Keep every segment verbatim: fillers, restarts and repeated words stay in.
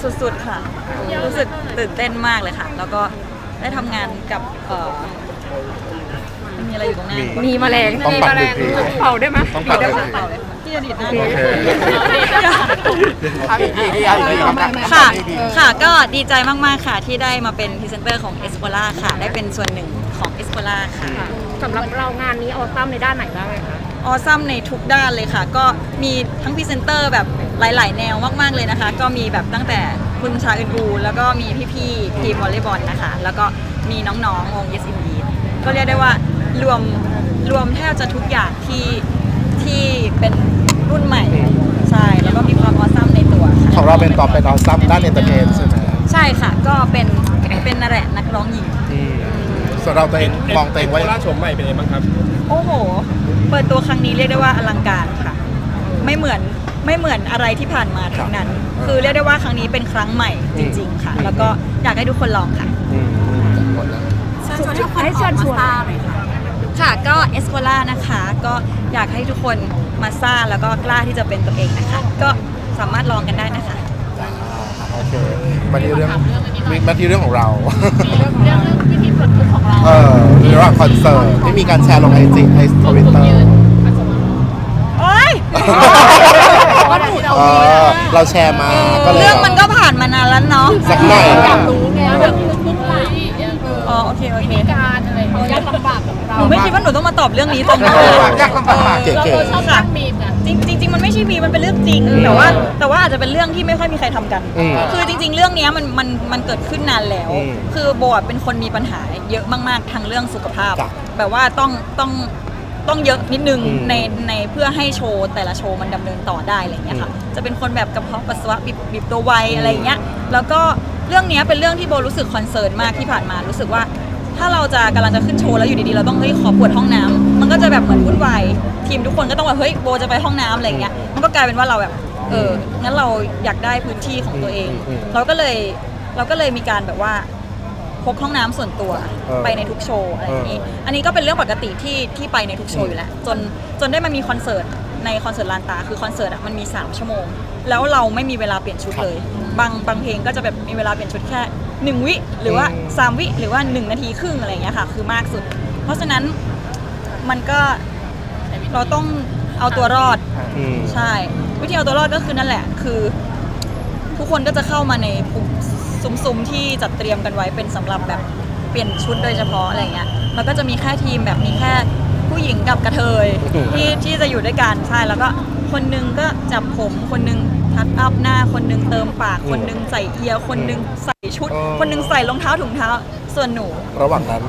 สุดๆค่ะรู้สึกตื่นเต้นมากเลยค่ะแล้วก็ได้ทำงานกับเอ่อมีอะไรอยู่ตรงหน้ามีแมลงต้องปัดดึกดีเป่าได้ไหมต้องปัดดึกเปล่าเลยที่จะดีดหน้าโอเคค่ะค่ะก็ดีใจมากๆค่ะที่ได้มาเป็นพรีเซนเตอร์ของ Espora ค่ะได้เป็นส่วนหนึ่งของ Espora ค่ะสำหรับเรางานนี้ออซัมในด้านไหนบ้างไหมคะออซัมในทุกด้านเลยค่ะก็มีทั้งพรีเซนเตอร์แบบหลายๆ แนวมากๆเลยนะคะก็มีแบบตั้งแต่คุณชาอึนบูแล้วก็มีพี่ๆทีมวอลเลย์บอลนะคะแล้วก็มีน้องๆวง Yes Indeed ก็เรียกได้ว่ารวมรวมแทบจะทุกอย่างที่ที่เป็นรุ่นใหม่ใช่แล้วก็มีความออซัมในตัวค่ะของเราเป็นตอบเป็นออซัมด้านเอนเตอร์เทนใช่ไหมใช่ค่ะก็เป็นเป็นนั่นแหละนักร้องหญิงส่วนเราตัวเองมองตัวเองว่าล่าชมใหม่เป็นไงบ้างครับโอ้โหเปิดตัวครั้งนี้เรียกได้ว่าอลังการค่ะไม่เหมือนไม่เหมือนอะไรที่ผ่านมาทั้งนั้น คือเรียกได้ว่าครั้งนี้เป็นครั้งใหม่จริงๆค่ะแล้วก็อยากให้ทุกคนลองค่ะอืมหมดแล้วเชิญชวนทุกคนให้เชิญชวนค่ะก็เอสโ r ล่านะคะก็อยากให้ทุกคนมาซ่าแล้วก็กล้าที่จะเป็นตัวเองนะคะก็สามารถลองกันได้นะคะจ้าโอเคมาที่เรื่องมาที่เรื่องของเราเรื่องวิธีปลดทุกข์ของเราเออระหว่างคอนเสิร์ตที่มีการแชร์ลงไอจีไอทวิตเตอร์โอ๊ยเออเราแชร์มาก็เลยเรื่องมันก็ผ่านมานานแล้วเนาะสักหน่อยอยากรู้ไงเรื่องทุกข์ไหลอ๋อโอเคโอเคการอะไรยากลำบากของเราหนูไม่คิดว่าหนูต้องมาตอบเรื่องนี้ตรงนี้ยากลำบากเก๋เราชอบสร้างมีมกันจริงจริงๆมันไม่ใช่มีมันเป็นเรื่องจริงแต่ว่าแต่ว่าอาจจะเป็นเรื่องที่ไม่ค่อยมีใครทำกันๆอืมคือจริงๆ เรื่องเนี้ยมันมันมันเกิดขึ้นนานแล้วอืมคือโบอะเป็นคนมีปัญหาเยอะมากๆทางเรื่องสุขภาพจ้ะแบบว่าต้องต้องต้องเยอะนิดนึงอืมในในเพื่อให้โชว์แต่ละโชว์มันดำเนินต่อได้อะไรอย่างเงี้ยค่ะอืมจะเป็นคนแบบกระเพาะปัสสาวะบีบบีบตัวไวอืมอะไรอย่างเงี้ย แล้วก็เรื่องเนี้ยเป็นเรื่องที่โบรู้สึกคอนเซิร์นมากที่ผ่านมา รู้สึกว่าถ้าเราจะกำลังจะขึ้นโชว์แล้วอยู่ดีๆเราต้องเฮ้ยขอปวดห้องน้ำมันก็จะแบบเหมือนวุ่นวายทีมทุกคนก็ต้องแบบเฮ้ยโบจะไปห้องน้ำอะไรอย่างเงี้ย มันก็กลายเป็นว่าเราแบบเอองั้นเราอยากได้พื้นที่ของตัวเองอืมอืมเราก็เลยเราก็เลยมีการแบบว่าพกห้องน้ำส่วนตัวเออไปในทุกโชว์อะไรอย่างนี้ อันนี้ก็เป็นเรื่องปกติที่ที่ไปในทุกโชว์อยู่แล้วจนจนได้มามีคอนเสิร์ตในคอนเสิร์ตลานตาคือคอนเสิร์ตอ่ะมันมีสามชั่วโมง แล้วเราไม่มีเวลาเปลี่ยนชุดเลย บางบางเพลงก็จะแบบมีเวลาเปลี่ยนชุดแค่หนึ่งวิหรือว่าอืมสามวิหรือว่าหนึ่งนาทีครึ่งอะไรอย่างเงี้ยค่ะคือมากสุด เพราะฉะนั้นมันก็เราต้องเอาตัวรอดอืมใช่ วิธีเอาตัวรอดก็คือนั่นแหละ คือ ทุกคนก็จะเข้ามาในซุ้มๆที่จัดเตรียมกันไว้เป็นสำหรับแบบเปลี่ยนชุดโดยเฉพาะอะไรเงี้ยแล้วก็จะมีแค่ทีมแบบมีแค่ผู้หญิงกับกระเทยอืมที่ที่จะอยู่ด้วยกันใช่แล้วก็คนนึงก็จับผมคนนึงทัดอัพหน้าคนนึงเติมปากคนนึงใส่เอียร์คนนึงใส่ชุด คนนึงใส่รองเท้าถุงเท้าส่วนหนูระหว่างนั้น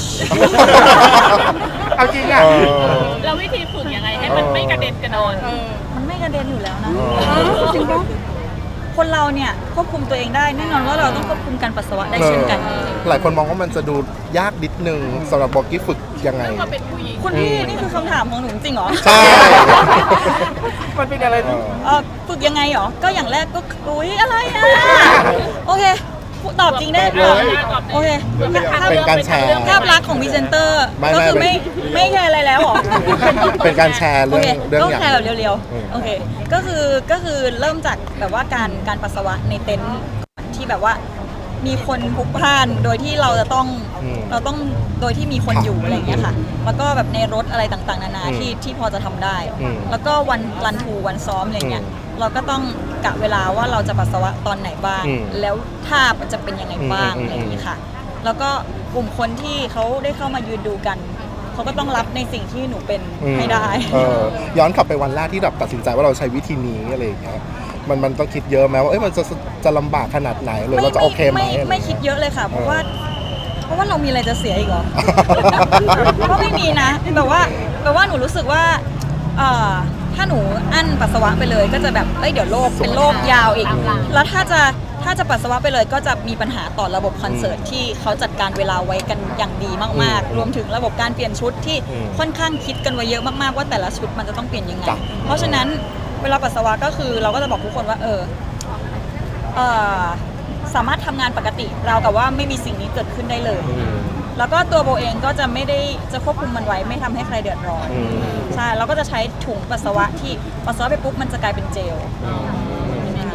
เอาจริงอ่ะแล้ววิธีฝึกยังไงให้มันไม่กระเด็นกระดอนมันไม่กระเด็นอยู่แล้วนะเออจริงปะคนเราเนี่ยควบคุมตัวเองได้แน่นอนว่าเราต้องควบคุมการปัสสาวะได้เช่นกันหลายคนมองว่ามันจะดูยากนิดนึงสำหรับบอกกี้ฝึกยังไงมาเป็นผู้หญิงคุณพี่นี่คือคำถามของหนูจริงเหรอใช่มันเป็นอะไรที่เออฝึกยังไงเหรอ ก็อย่างแรกก็อุ้ยอะไรอ่ะ โอเค ตอบจริงได้ตอบโอเคเป็นการแชร์ภาพลักษณ์ของพรีเซนเตอร์ไม่ก็คือไม่ไม่ไม่แคร์อะไรแล้วเหรอเป็นการแชร์เรื่องโคเรื่องก็อย่างแชร์แบบเร็วอืมๆ โอเค ก็คือก็คือเริ่มจากแบบว่าการการปัสสาวะในเต็นท์ที่แบบว่ามีคนพลุกพล่านโดยที่เราจะต้องอืมเราต้องโดยที่มีคนอยู่อะไรอย่างเงี้ยค่ะ แล้วก็แบบในรถอะไรต่างๆ นานาอืมที่ที่พอจะทำได้อืมแล้วก็วันรันทูวันซ้อมอะไรเงี้ยอืมเราก็ต้องกะเวลาว่าเราจะปัสสาวะตอนไหนบ้างอืมแล้วท่ามันจะเป็นยังไงบ้างอืมอืมอะไรอย่างงี้ค่ะ แล้วก็กลุ่มคนที่เขาได้เข้ามายืนดูกัน เขาก็ต้องรับในสิ่งที่หนูเป็นอืมให้ได้เออย้อนกลับไปวันแรกที่แบบตัดสินใจว่าเราใช้วิธีนี้อะไรอย่างเงี้ยมันมันต้องคิดเยอะไหมว่าเอ้ยมันจะจะลำบากขนาดไหนหรือเราจะโอเคไหมไม่อะไรไม่คิดเยอะเลยค่ะ เพราะว่า เพราะว่าเรามีอะไรจะเสียอีกเหรอเออก็ไม่มีนะแบบว่าแบบว่าหนูรู้สึกว่าเอ่อถ้าหนูอั้นปัสสาวะไปเลย ก็จะแบบเอ้ยเดี๋ยวโรคเป็นโรคยาวอีก แล้วถ้าจะถ้าจะปัสสาวะไปเลย ก็จะมีปัญหาต่อระบบคอนเสิร์ตที่เขาจัดการเวลาไว้กันอย่างดีมากอืมๆ รวมถึงระบบการเปลี่ยนชุดที่อืมค่อนข้างคิดกันไว้เยอะมากๆว่าแต่ละชุดมันจะต้องเปลี่ยนยังไงจ้ะเพราะฉะนั้นเวลาปัสสาวะก็คือเราก็จะบอกทุกคนว่าเออเออสามารถทำงานปกติเรากับว่าไม่มีสิ่งนี้เกิดขึ้นได้เลยอืมแล้วก็ตัวโบเองก็จะไม่ได้จะควบคุมมันไว้ไม่ทำให้ใครเดือดร้อนอืมใช่เราก็จะใช้ถุงปัสสาวะที่ปัสสาวะไปปุ๊บมันจะกลายเป็นเจลแล้ว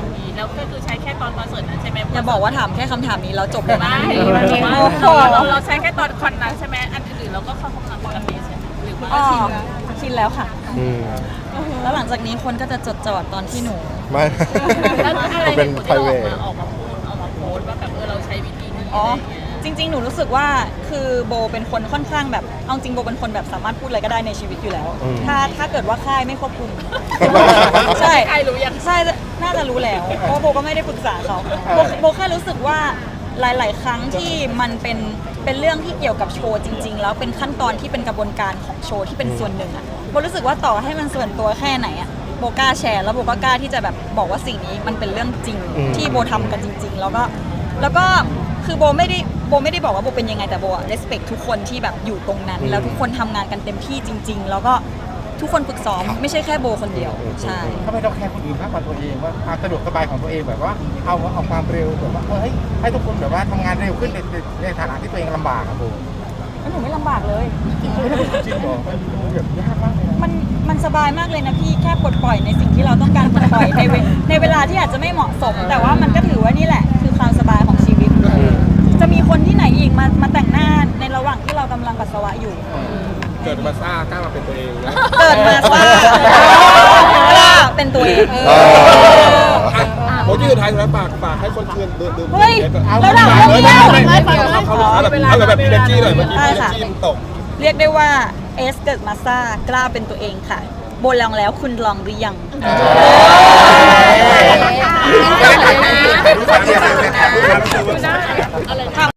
แล้วก็คือใช้แค่ตอนคอนเสิร์ตนั้นใช่ไหมอย่าบอกว่าถามแค่คำถามนี้แล้วจบเลยนะไม่โอ้โหเราเราใช้แค่ตอนคอนนั้นใช่ไหมอันอื่นๆเราก็เข้าห้องน้ำปกติใช่ไหมหรือว่าอ๋อชินแล้วชินแล้วค่ะอืมแล้วหลังจากนี้คนก็จะจดจ่อตอนที่หนูไม่แล้วอะไรเป็นเหตุผลที่ private เราออกมาออกมาพูดออกมาโพสต์ว่าแบบเออเราใช้วิธีนี้อ๋ออะไรอย่างเงี้ยจริง ๆ หนูรู้สึกว่าคือโบเป็นคนค่อนข้างแบบเอาจริงโบเป็นคนแบบสามารถพูดอะไรก็ได้ในชีวิตอยู่แล้วอืมถ้าถ้าเกิดว่าค่ายไม่ควบคุม ใช่ใครรู้ยังใช่ น่าจะรู้แล้ว เพราะว่าโบก็ไม่ได้ปรึกษาเขาโบโบแค่รู้สึกว่าหลาย ๆ ครั้งที่มันเป็นเป็นเรื่องที่เกี่ยวกับโชว์จริง ๆ แล้วเป็นขั้นตอนที่เป็นกระบวนการของโชว์ที่เป็นส่วนหนึ่งอะโบรู้สึกว่าต่อให้มันส่วนตัวแค่ไหนอะโบกล้าแชร์แล้วโบก็กล้าที่จะแบบบอกว่าสิ่งนี้มันเป็นเรื่องจริงอืมที่โบทำกันจริง ๆ แล้วก็แล้วก็คือโบไม่ได้โบไม่ได้บอกว่าโบเป็นยังไงแต่โบอะ respect ทุกคนที่แบบอยู่ตรงนั้น แล้วทุกคนทำงานกันเต็มที่จริง ๆ แล้วก็ทุกคนฝึกซ้อมไม่ใช่แค่โบคนเดียวใช่ทำไมเราแคร์คนอื่นมากกว่าตัวเองว่าความสะดวกสบายของตัวเองแบบว่าเอาเอาความเร็วแบบว่าเออให้ให้ทุกคนแบบว่าทำงานเร็วขึ้นในในในฐานะที่ตัวเองลำบากอะโบแล้วหนูไม่ลำบากเลยจริงเหรอมันดูแบบยากมากเลยนะมันมันสบายมากเลยนะพี่แค่ปลดปล่อยในสิ่งที่เราต้องการปลดปล่อยในเวในเวลาที่อาจจะไม่เหมาะสม แต่ว่ามันก็ถือว่านี่แหละ คือความสบายของชีวิต จะมีคนที่ไหนอีกมามาแต่งหน้าในระหว่างที่เรากำลังปัสสาวะอยู่เกิดมาซ่ากล้ามาเป็นตัวเองนะเกิดมาซ่ากล้าเป็นตัวเองเออโมที่สุดท้ายแล้วฝากฝากให้คนคืนดื่มดื่มเฮ้ยเอาแล้วด่าเรื่องเดียวไม่ไม่ไม่เขาเขาเอาแบบเอาแบบพีเนจี้หน่อยเมื่อกี้ได้พีเนค่ะจี้มันตกเรียกได้ว่าเอสเกิดมาซ่ากล้าเป็นตัวเองค่ะโบลองแล้วคุณลองหรือยังไม่ได้ถ่ายรูปถ่ายรูปถ่ายรูปถ่ายรูปอะไรนะ